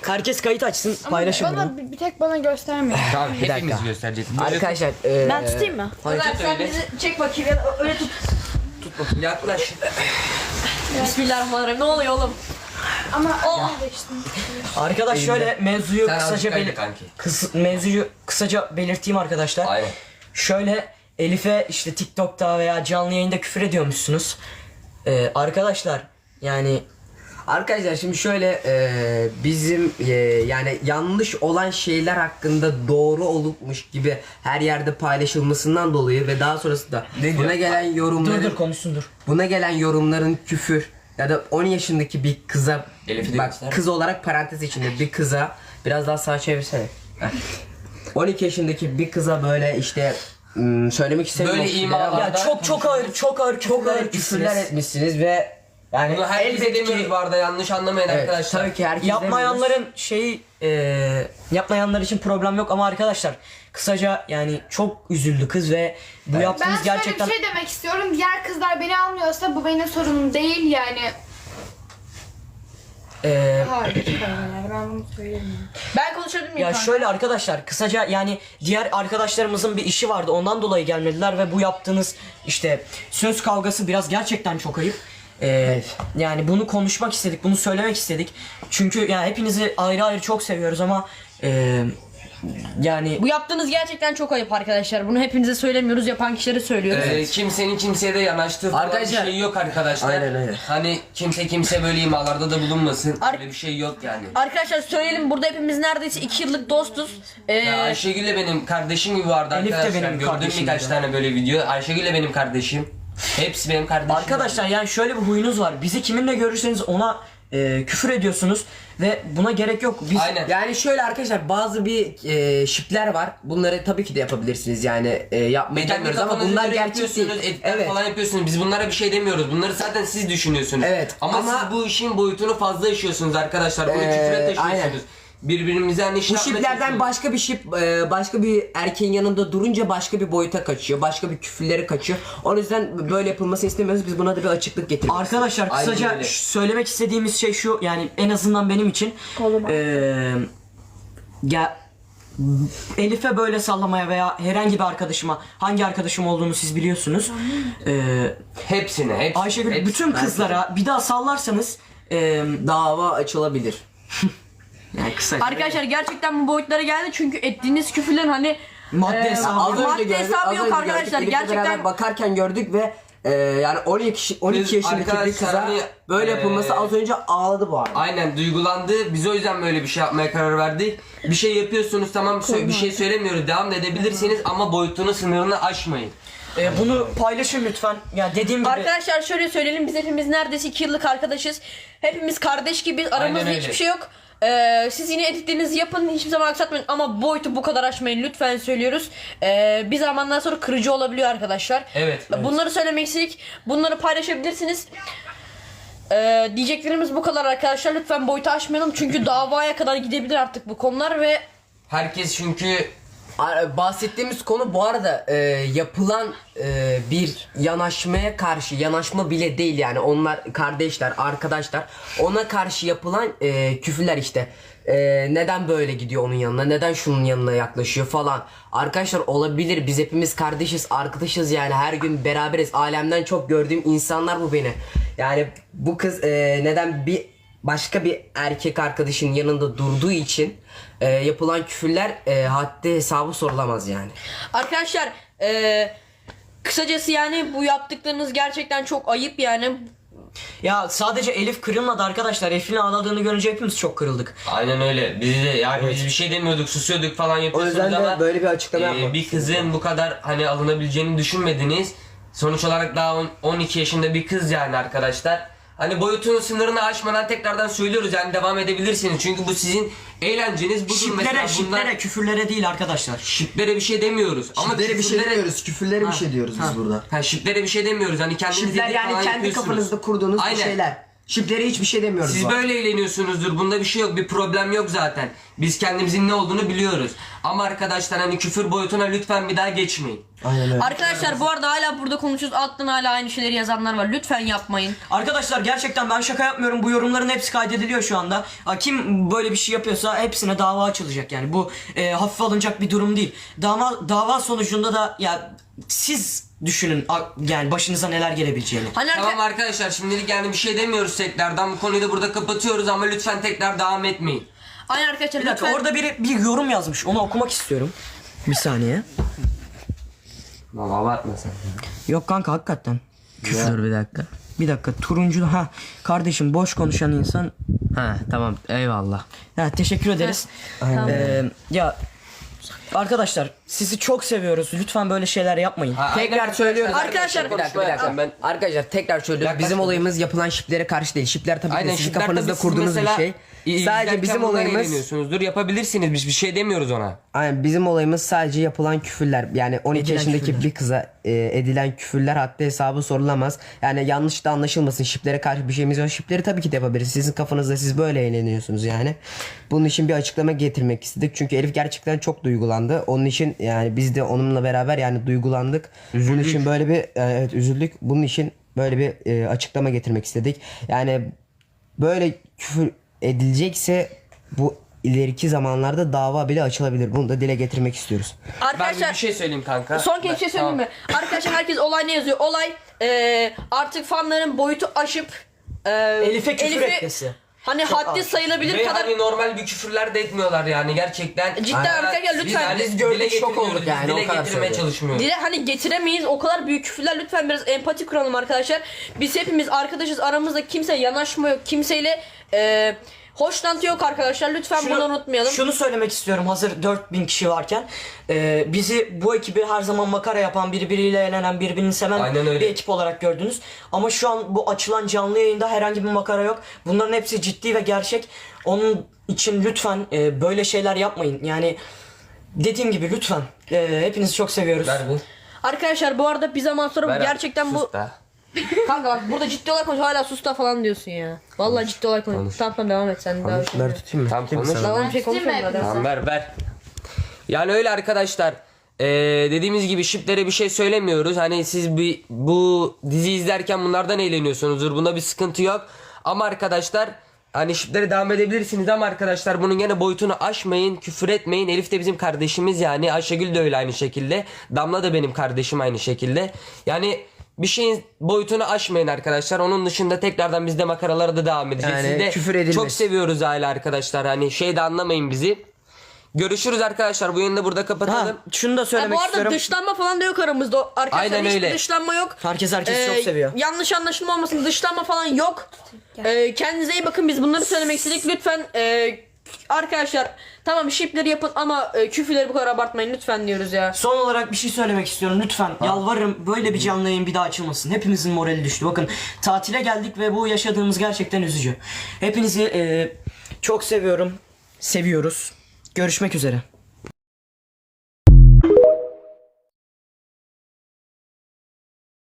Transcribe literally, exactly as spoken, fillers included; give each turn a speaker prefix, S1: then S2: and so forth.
S1: Herkes kayıt açsın,
S2: Ama
S1: paylaşın
S2: bana
S1: bunu.
S2: bir, bir tek bana göstermeyin.
S3: Tamam
S1: Bir
S3: hepimiz
S1: dakika.
S3: göstereceğiz.
S1: Arkadaşlar e,
S4: Ben tutayım mı?
S1: Hayır,
S3: tut
S4: Sen
S3: öyle.
S4: bizi çek bakayım ya da öyle tut.
S3: Yaklaş.
S4: Bismillahirrahmanirrahim. Ne oluyor oğlum?
S2: Ama oh. geçtim.
S1: arkadaş şöyle mevzuyu
S3: Sen
S1: kısaca
S3: azıcık kaydı
S1: belir
S3: kanki.
S1: kıs mevzuyu kısaca belirteyim arkadaşlar.
S3: Aynen.
S1: Şöyle Elif'e işte TikTok'ta veya canlı yayında küfür ediyormuşsunuz. Ee, arkadaşlar yani
S5: Arkadaşlar şimdi şöyle e, bizim e, yani yanlış olan şeyler hakkında doğru olupmuş gibi her yerde paylaşılmasından dolayı ve daha sonrasında
S3: Ne
S5: buna
S3: diyor?
S5: gelen yorumların
S1: dur dur konuşsun dur.
S5: buna gelen yorumların küfür ya da on yaşındaki bir kıza
S3: Elif'i de
S5: bak
S3: göster.
S5: kız olarak parantez içinde bir kıza biraz daha sağa çevirsene. on iki yaşındaki bir kıza böyle işte ım, söylemek istemiyorum.
S3: Böyle
S5: küfürler
S3: imalar-
S5: ama
S1: Ya çok çok ağır çok ağır
S5: çok ağır
S1: etmişsiniz.
S5: küfürler etmişsiniz ve yani
S3: Bunu herkese
S5: elbette
S3: demiyoruz
S5: ki
S3: bu arada, yanlış anlamayın
S5: evet,
S3: arkadaşlar.
S5: tabii ki herkes
S1: Yapmayanların şeyi e, yapmayanlar için problem yok ama arkadaşlar kısaca yani çok üzüldü kız ve bu
S2: Ben
S1: yaptığınız
S2: şöyle
S1: gerçekten
S2: bir şey demek istiyorum. Diğer kızlar beni almıyorsa bu benim sorunum değil yani.
S1: e,
S2: Hayır, yani ben bunu söylemiyorum.
S4: Ben konuşabilir miyim
S1: ya
S4: kanka?
S1: şöyle arkadaşlar kısaca yani diğer arkadaşlarımızın bir işi vardı ondan dolayı gelmediler ve bu yaptığınız işte söz kavgası biraz gerçekten çok ayıp. E, yani bunu konuşmak istedik, bunu söylemek istedik. Çünkü yani hepinizi ayrı ayrı çok seviyoruz ama e, yani
S4: Bu yaptığınız gerçekten çok ayıp arkadaşlar. Bunu hepinize söylemiyoruz, yapan kişilere söylüyoruz.
S3: Ee, kimsenin kimseye de yanaştığı falan
S5: Arkadaşlar-
S3: bir şey yok arkadaşlar.
S5: Aynen öyle.
S3: Hani kimse kimse böyle imalarda da bulunmasın.
S4: Ar-
S3: Öyle bir şey yok yani.
S4: Arkadaşlar söyleyelim, burada hepimiz neredeyse iki yıllık dostuz. Ee,
S3: Ya Ayşegül de benim kardeşim gibi vardı
S1: Elif de
S3: arkadaşlar.
S1: benim
S3: Gördüm
S1: kardeşim
S3: birkaç
S1: gibi.
S3: tane böyle video. Ayşegül de benim kardeşim. Hepsi benim kardeşim.
S1: arkadaşlar yani şöyle bir huyunuz var. Bizi kiminle görürseniz ona e, küfür ediyorsunuz ve buna gerek yok. Biz
S3: Aynen.
S5: Yani şöyle arkadaşlar bazı bir e, şipler var. Bunları tabii ki de yapabilirsiniz yani e, yapmayı
S3: Kendi
S5: demiyoruz ama
S3: kafanıza
S5: bunlar
S3: göre
S5: gerçek değil.
S3: yapıyorsunuz, editler
S5: Evet.
S3: falan yapıyorsunuz. Biz bunlara bir şey demiyoruz. Bunları zaten siz düşünüyorsunuz.
S5: Evet,
S3: Ama,
S5: ama-
S3: siz bu işin boyutunu fazla yaşıyorsunuz arkadaşlar. Bunu
S5: Ee,
S3: küfüre taşıyorsunuz.
S5: aynen.
S3: Birbirimize hani şey
S5: Bu
S3: yapmaya
S5: şiplerden
S3: çalışıyoruz.
S5: başka bir şip e, başka bir erkeğin yanında durunca başka bir boyuta kaçıyor. Başka bir küfürlere kaçıyor. O yüzden böyle yapılmasını istemiyoruz. Biz buna da bir açıklık getirdik.
S1: arkadaşlar
S3: Aynen
S1: kısaca
S3: öyle.
S1: ş- söylemek istediğimiz şey şu yani en azından benim için
S4: Koluma.
S1: e, ya Elif'e böyle sallamaya veya herhangi bir arkadaşıma hangi arkadaşım olduğunu siz biliyorsunuz. E,
S3: Hepsine, hepsine.
S1: Ayşegül
S3: hepsine.
S1: bütün kızlara bir daha sallarsanız e,
S5: Dava açılabilir.
S1: yani kısaca
S4: Arkadaşlar gerçekten bu boyutlara geldi çünkü ettiğiniz küfürlerin hani
S1: madde
S4: Ee,
S1: hesabı
S5: Az
S1: yok.
S5: önce
S4: madde
S5: gördük,
S4: hesabı
S5: az
S4: yok
S5: önce
S4: arkadaşlar.
S5: gördük. Birlikte
S4: Gerçekten-
S5: beraber bakarken gördük ve e, yani on iki on iki
S3: Biz
S5: yaşındaki bir
S3: arkadaşlar
S5: kıza
S3: hani,
S5: böyle
S3: e,
S5: yapılması az önce ağladı bu arada.
S3: Aynen duygulandı. Biz o yüzden böyle bir şey yapmaya karar verdik. Bir şey yapıyorsunuz, tamam, sö- bir şey söylemiyoruz. Devam da edebilirsiniz ama boyutunu, sınırını aşmayın.
S1: E, bunu paylaşın lütfen. Ya dediğim gibi
S4: Arkadaşlar şöyle söyleyelim, biz hepimiz neredeyse iki yıllık arkadaşız. Hepimiz kardeş gibi, aramızda
S3: öyle.
S4: hiçbir şey yok. Ee, siz yine editlerinizi yapın, hiçbir zaman aksatmayın ama boyutu bu kadar aşmayın lütfen söylüyoruz. Ee, bir zamandan sonra kırıcı olabiliyor arkadaşlar.
S3: Evet, evet.
S4: Bunları söylemek istedik, bunları paylaşabilirsiniz. Ee, diyeceklerimiz bu kadar arkadaşlar, lütfen boyutu aşmayalım çünkü davaya kadar gidebilir artık bu konular ve
S3: Herkes çünkü
S5: Ar- Bahsettiğimiz konu bu arada e, yapılan e, bir yanaşmaya karşı, yanaşma bile değil yani, onlar kardeşler, arkadaşlar, ona karşı yapılan e, küfürler işte. E, neden böyle gidiyor onun yanına, neden şunun yanına yaklaşıyor falan. Arkadaşlar olabilir, biz hepimiz kardeşiz, arkadaşız yani, her gün beraberiz, alemden çok gördüğüm insanlar bu beni. Yani bu kız e, neden bir başka bir erkek arkadaşın yanında durduğu için e, yapılan küfürler e, haddi hesabı sorulamaz yani.
S4: arkadaşlar ee, kısacası yani bu yaptıklarınız gerçekten çok ayıp yani.
S1: ya sadece Elif kırılmadı arkadaşlar. Elif'in ağladığını görünce hepimiz çok kırıldık.
S3: aynen öyle. Biz de yani biz bir şey demiyorduk, susuyorduk falan
S5: O
S3: yapıyorsunuz
S5: yüzden de
S3: ama
S5: böyle bir açıklama
S3: e,
S5: yapmak
S3: bir kızın bu kadar hani alınabileceğini düşünmediniz. Sonuç olarak daha on- on iki yaşında bir kız yani arkadaşlar. Hani boyutunun sınırını aşmadan tekrardan söylüyoruz yani, devam edebilirsiniz. Çünkü bu sizin eğlenceniz budur.
S1: Şiplere,
S3: Mesela bunlar-
S1: şiplere, küfürlere değil arkadaşlar.
S3: Şiplere bir şey demiyoruz. Ama
S6: Şiplere bir şey
S3: küfürlere-
S6: demiyoruz, küfürlere bir şey diyoruz biz burada.
S3: Ha, şiplere bir şey demiyoruz. Hani kendiniz
S5: Şipler
S3: edit
S5: yani
S3: falan
S5: kendi
S3: yapıyorsunuz.
S5: kafanızda kurduğunuz
S3: Aynen.
S5: bir şeyler. Şiplere hiçbir şey demiyoruz.
S3: Siz
S5: bu arada.
S3: böyle eğleniyorsunuzdur. Bunda bir şey yok. Bir problem yok zaten. Biz kendimizin ne olduğunu biliyoruz. Ama arkadaşlar hani küfür boyutuna lütfen bir daha geçmeyin.
S6: Aynen öyle.
S4: Arkadaşlar bu arada hala burada konuşuyoruz. Alttan hala aynı şeyleri yazanlar var. Lütfen yapmayın.
S1: Arkadaşlar gerçekten ben şaka yapmıyorum. Bu yorumların hepsi kaydediliyor şu anda. Ha, kim böyle bir şey yapıyorsa hepsine dava açılacak yani. Bu e, hafife alınacak bir durum değil. Dava dava sonucunda da ya siz düşünün a- yani başınıza neler gelebileceğini.
S4: Hani arka-
S3: Tamam arkadaşlar, şimdilik yani bir şey demiyoruz tekrardan. Bu konuyu da burada kapatıyoruz ama lütfen tekrar devam etmeyin.
S4: Aynen arkadaşlar
S1: Bir dakika
S4: lütfen.
S1: orada biri bir yorum yazmış. Onu okumak istiyorum. Bir saniye.
S3: Valla abartma sen.
S1: Yok kanka hakikaten.
S5: Dur bir dakika.
S1: Bir dakika turuncu ha kardeşim boş konuşan insan.
S5: Ha tamam eyvallah.
S1: Ha, teşekkür ederiz. Ee, ya arkadaşlar sizi çok seviyoruz. Lütfen böyle şeyler yapmayın.
S3: Ha,
S5: Tekrar
S3: aynen
S5: söylüyoruz.
S4: Arkadaşlar-
S5: bir dakika bir dakika.
S3: Ben
S5: Arkadaşlar tekrar söylüyoruz.
S3: Yaklaş
S5: Bizim
S3: bakalım.
S5: olayımız yapılan şiplere karşı değil. Şipler tabii ki
S3: Aynen,
S5: de sizin
S3: şipler
S5: kafanızda
S3: tabii siz
S5: kurduğunuz bir
S3: mesela
S5: şey.
S3: i-
S5: Sadece
S3: izlerken
S5: bizim
S3: bundan
S5: olayımız
S3: eğleniyorsunuzdur. Yapabilirsiniz, biz bir şey demiyoruz ona.
S5: Aynen bizim olayımız sadece yapılan küfürler. Yani on iki
S1: Edilen
S5: yaşındaki
S1: küfürler.
S5: bir kıza e, edilen küfürler hatta hesabı sorulamaz. Yani yanlış da anlaşılmasın. Şiplere karşı bir şeyimiz yok. Şipleri tabii ki de yapabiliriz. Sizin kafanızda siz böyle eğleniyorsunuz yani. Bunun için bir açıklama getirmek istedik. Çünkü Elif gerçekten çok duygulandı. Onun için yani biz de onunla beraber yani duygulandık. Bunun için böyle bir evet üzüldük. Bunun için böyle bir e, açıklama getirmek istedik. Yani böyle küfür edilecekse bu ileriki zamanlarda dava bile açılabilir. Bunu da dile getirmek istiyoruz.
S3: Ben bir,
S4: Arkadaşlar
S3: bir şey söyleyeyim kanka.
S4: son kez bir şey söyleyeyim mi? Arkadaşlar herkes olay ne yazıyor? Olay eee, artık fanların boyutu aşıp eee,
S1: Elif'e küfür etmesi.
S4: Hani haddi sayılabilir
S3: Ve
S4: kadar
S3: hani normal bir küfürler de etmiyorlar yani gerçekten.
S4: Cidden
S3: Aynen.
S4: arkadaşlar
S3: Biz
S4: lütfen.
S3: yani
S5: Biz gördük,
S3: dile
S5: şok
S3: getirmiyoruz,
S5: olduk yani,
S3: biz
S5: o
S3: dile
S5: kadar
S3: getirmeye
S5: söylüyorum.
S3: çalışmıyoruz.
S4: Dile hani getiremeyiz o kadar büyük küfürler, lütfen biraz empati kuralım arkadaşlar. Biz hepimiz arkadaşız, aramızda kimse yanaşma yok, kimseyle eee hoşlantı yok arkadaşlar, lütfen bunu unutmayalım.
S1: Şunu söylemek istiyorum hazır dört bin kişi varken. Ee, bizi bu ekibi her zaman makara yapan, birbiriyle eğlenen, birbirini seven
S3: Aynen öyle.
S1: bir ekip olarak gördünüz. Ama şu an bu açılan canlı yayında herhangi bir makara yok. Bunların hepsi ciddi ve gerçek. Onun için lütfen e, böyle şeyler yapmayın. Yani dediğim gibi lütfen. E, hepinizi çok seviyoruz.
S3: Ver bir.
S4: Arkadaşlar bu arada bir zaman sonra
S3: Ver
S4: bu
S3: abi,
S4: gerçekten bu
S3: sus da.
S4: kanka bak burada ciddi olarak konuş, hala sus da falan diyorsun ya. Vallahi ciddi olarak konuş. Tamam tamam devam et sen. Daha bir şey
S5: Bunları tutayım mı?
S3: Tamam konuş.
S4: Daha bir şey
S2: Bitirme
S4: konuşmuyorum
S2: hepimizi.
S4: zaten.
S3: Tamam ver ver. Yani öyle arkadaşlar. Ee, dediğimiz gibi şiplere bir şey söylemiyoruz. Hani siz bir bu dizi izlerken bunlardan eğleniyorsunuzdur. Bunda bir sıkıntı yok. Ama arkadaşlar hani şiplere devam edebilirsiniz ama arkadaşlar bunun gene boyutunu aşmayın, küfür etmeyin. Elif de bizim kardeşimiz yani. Ayşegül de öyle aynı şekilde. Damla da benim kardeşim aynı şekilde. Yani bir şeyin boyutunu aşmayın arkadaşlar. Onun dışında tekrardan biz de makaralara da devam edeceğiz.
S5: Yani
S3: Siz de
S5: küfür edilmez.
S3: çok seviyoruz aile arkadaşlar. Hani şey de anlamayın bizi. Görüşürüz arkadaşlar. Bu yayını da burada
S1: Ha,
S3: kapatalım.
S1: şunu da
S4: Ha,
S1: söylemek
S4: bu arada
S1: istiyorum.
S4: dışlanma falan da yok aramızda arkadaşlar.
S3: Aynen
S4: Hiçbir
S3: öyle.
S4: dışlanma yok.
S1: Herkes herkesi
S4: Ee,
S1: çok seviyor.
S4: Yanlış anlaşılma olmasın, dışlanma falan yok. Ee, kendinize iyi bakın, biz bunları söylemek istedik. Lütfen e, arkadaşlar tamam şipleri yapın ama e, küfürleri bu kadar abartmayın lütfen diyoruz ya.
S1: Son olarak bir şey söylemek istiyorum lütfen. Yalvarırım böyle bir canlı yayın bir daha açılmasın. Hepimizin morali düştü. Bakın tatile geldik ve bu yaşadığımız gerçekten üzücü. Hepinizi e, çok seviyorum. Seviyoruz. Görüşmek üzere.